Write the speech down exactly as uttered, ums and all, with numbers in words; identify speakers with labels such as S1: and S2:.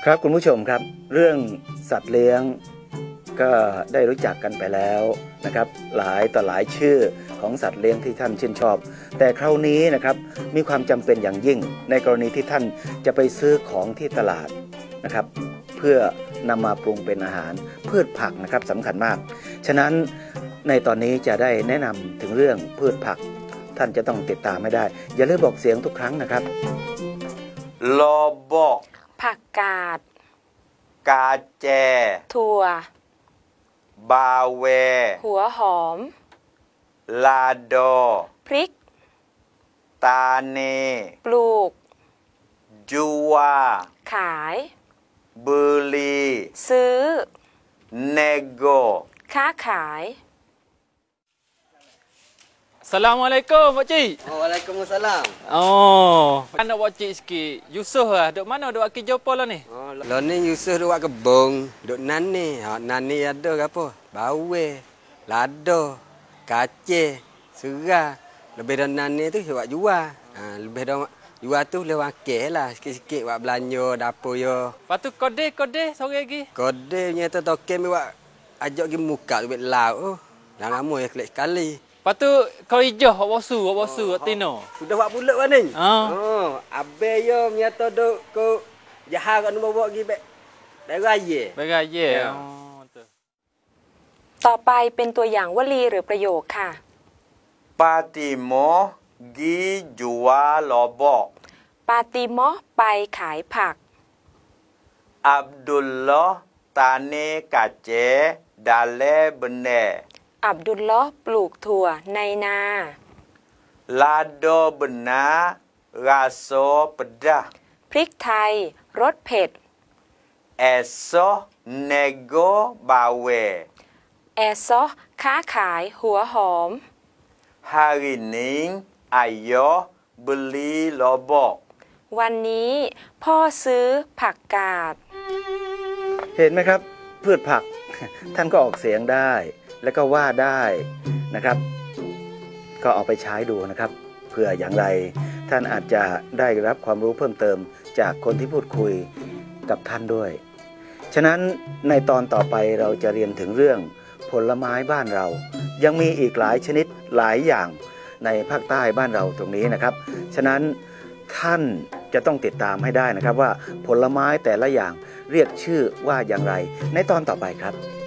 S1: ครับคุณผู้ชมครับเรื่องสัตว์เลี้ยงก็ได้รู้จักกันไปแล้วนะครับหลายต่อหลายชื่อของสัตว์เลี้ยงที่ท่านชื่นชอบแต่คราวนี้นะครับมีความจำเป็นอย่างยิ่งในกรณีที่ท่านจะไปซื้อของที่ตลาดนะครับเพื่อนำมาปรุงเป็นอาหารพืชผักนะครับสำคัญมากฉะนั้นในตอนนี้จะได้แนะนำถึงเรื่องพืชผักท่านจะต้องติดตามไม่ได้อย่าลืมบอกเสียงทุกครั้งนะครับ
S2: ลอบอก
S3: ผักกาด
S2: กาแจ
S3: ถั่ว
S2: บาเว
S3: หัวหอม
S2: ลาโด
S3: พริก
S2: ตาเน
S3: ปลูก
S2: จูวา
S3: ขาย
S2: บุรี
S3: ซื้อ
S2: เนโก
S3: ค้าขาย
S4: Assalamualaikum Pak Cik.
S5: Waalaikumsalam.
S4: Oh, anak Pak Cik sikit. Yusuf lah. Duk mana duk aki Jopo lah ni?
S5: Oh, lah ni Yusuf duk kebun. Duk nani. Ha, nani ada ke apa? Bawe, lado, kacang, serah. Lebih dah nani tu buat jual. Ha, lebih dah jual tu boleh wakil lah. Sikit-sikit buat belanja dapur yo.
S4: Lepas tu kode-kode sore lagi.
S5: Kode punya tu token buat ajak pergi muka duit laut tu. Dah lama ya kelik sekali.
S4: Lepas tu kau hijau, awak bosu, awak bosu, awak tino.
S5: Sudah buat bulat kan ni?
S4: Oh.
S5: Oh, abe yo punya tu duk ko jahar kat nombor bawa pergi baik. Dari raya.
S4: Dari raya. Oh, tu.
S3: ต่อไปเป็นตัวอย่างวลีหรือประโยคค่ะ
S2: ปาติโมกีจัวลอบอก
S3: ปาติโมไปขายผัก
S2: อับดุลลอฮ์ตาเนกาเจดาเลบเน
S3: อับดุลลอฮ์ปลูกถั่วในนา
S2: ลาโดบนาราโซปดา
S3: พริกไทยรสเผ็ด
S2: เอโซเนโกบาเว
S3: แอซอค้าขายหัวหอม
S2: ฮารินิงอายอบลีลอบอก
S3: วันนี้พ่อซื้อผักกาด
S1: เห็นไหมครับพืชผักท่านก็ออกเสียงได้แล้วก็ว่าได้นะครับก็เอาไปใช้ดูนะครับเพื่ออย่างไรท่านอาจจะได้รับความรู้เพิ่มเติมจากคนที่พูดคุยกับท่านด้วยฉะนั้นในตอนต่อไปเราจะเรียนถึงเรื่องผลไม้บ้านเรายังมีอีกหลายชนิดหลายอย่างในภาคใต้บ้านเราตรงนี้นะครับฉะนั้นท่านจะต้องติดตามให้ได้นะครับว่าผลไม้แต่ละอย่างเรียกชื่อว่าอย่างไรในตอนต่อไปครับ